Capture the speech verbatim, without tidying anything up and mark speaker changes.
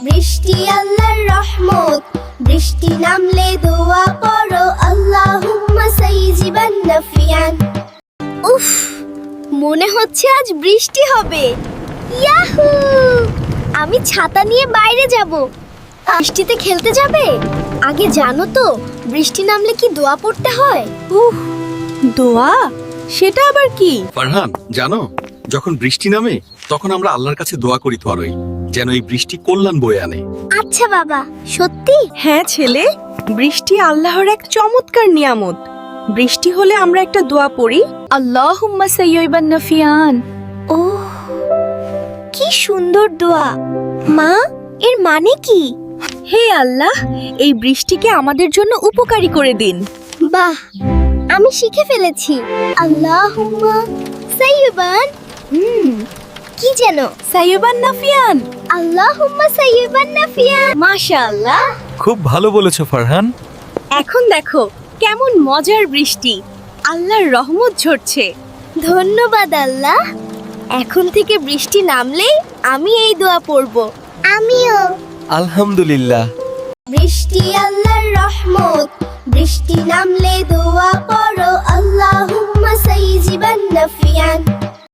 Speaker 1: বৃষ্টি আল্লাহর রহমত, বৃষ্টি নামলে দোয়া পড়ো আল্লাহুম্মা সাইজিবান নাফিয়ান। উফ, মনে হচ্ছে আজ বৃষ্টি হবে। ইয়াহু! আমি ছাতা নিয়ে বাইরে যাব। বৃষ্টিতে খেলতে যাবে? আগে জানো তো বৃষ্টি নামলে কি দোয়া পড়তে হয়?
Speaker 2: উফ, দোয়া? সেটা আবার কি?
Speaker 3: ফারহান, জানো যখন বৃষ্টি নামে তখন আমরা আল্লাহর কাছে দোয়া করি তরই যেন এই বৃষ্টি কল্যাণ বয়ে আনে।
Speaker 1: আচ্ছা বাবা, সত্যি?
Speaker 2: হ্যাঁ ছেলে, বৃষ্টি আল্লাহর এক চমৎকার নিয়ামত। বৃষ্টি হলে আমরা একটা দোয়া পড়ি, আল্লাহুম্মা সাইয়্যিবান নাফিয়ান।
Speaker 1: ও, কি সুন্দর দোয়া। মা, এর মানে কি?
Speaker 2: হে আল্লাহ, এই বৃষ্টিকে আমাদের জন্য উপকারী করে দিন।
Speaker 1: বাহ, আমি শিখে ফেলেছি। আল্লাহুম্মা সাইয়্যিবান। হুম, কি যেন?
Speaker 2: সাইয়্যিবান নাফিয়ান।
Speaker 1: আল্লাহুম্মা সাইয়্যিবান নাফিয়ান। মাশাআল্লাহ।
Speaker 4: খুব ভালো বলেছো ফারহান।
Speaker 2: এখন দেখো কেমন মজার বৃষ্টি, আল্লাহর রহমত ঝরছে।
Speaker 1: ধন্যবাদ আল্লাহ। এখন থেকে বৃষ্টি নামলেই আমি এই দোয়া পড়ব। আমিও।
Speaker 4: আলহামদুলিল্লাহ।
Speaker 1: বৃষ্টি আল্লাহর রহমত, বৃষ্টি নামলে দোয়া পড়ো আল্লাহুম্মা সাইয়্যিবান নাফিয়ান।